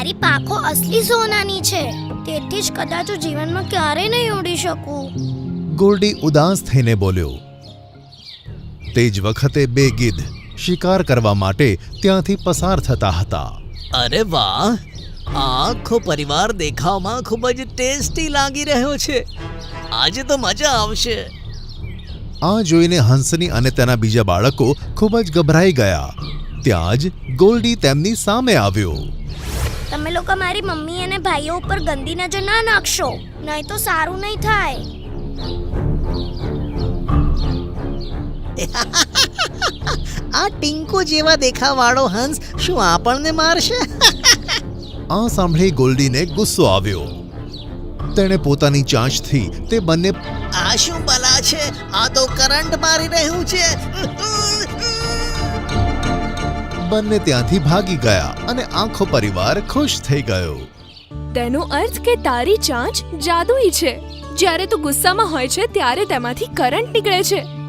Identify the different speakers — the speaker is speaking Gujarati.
Speaker 1: મારી પાંખો અસલી સોનાની છે, તેથી જ કદાચ હું જીવનમાં ક્યારેય નહીં ઉડી શકું.
Speaker 2: ગોલ્ડી ઉદાસ થઈને બોલ્યો. તે જ વખતે બે ગીધ શિકાર કરવા માટે ત્યાંથી પસાર થતા હતા.
Speaker 3: અરે વાહ, આ આખો પરિવાર દેખાવમાં ખૂબ જ ટેસ્ટી લાગી રહ્યો છે. આજે તો મજા આવશે.
Speaker 2: આ જોઈને હંસની અને તેના બીજા બાળકો ખૂબ જ ગભરાઈ ગયા. ત્યાં જ ગોલ્ડી તેમની સામે આવ્યો.
Speaker 1: તમે લોકો મારી મમ્મી અને ભાઈઓ ઉપર ગંદી નજર ના નાખશો, નહીં તો સારું નહીં થાય.
Speaker 3: આ ટિંકુ જેવા દેખાવાળો હંસ શું આપણને મારશે?
Speaker 2: આ સાંભળી ગોલ્ડીને ગુસ્સો આવ્યો. તેણે પોતાની ચાંચથી તે બંને
Speaker 3: આ શું બલા છે? આ તો કરંટ મારી રહ્યું છે.
Speaker 2: બંને ત્યાંથી ભાગી ગયા અને આખો પરિવાર ખુશ થઈ ગયો.
Speaker 4: તેનો અર્થ કે તારી ચાંચ જાદુઈ છે. જ્યારે તું ગુસ્સામાં હોય છે ત્યારે તેમાંથી કરંટ નીકળે છે.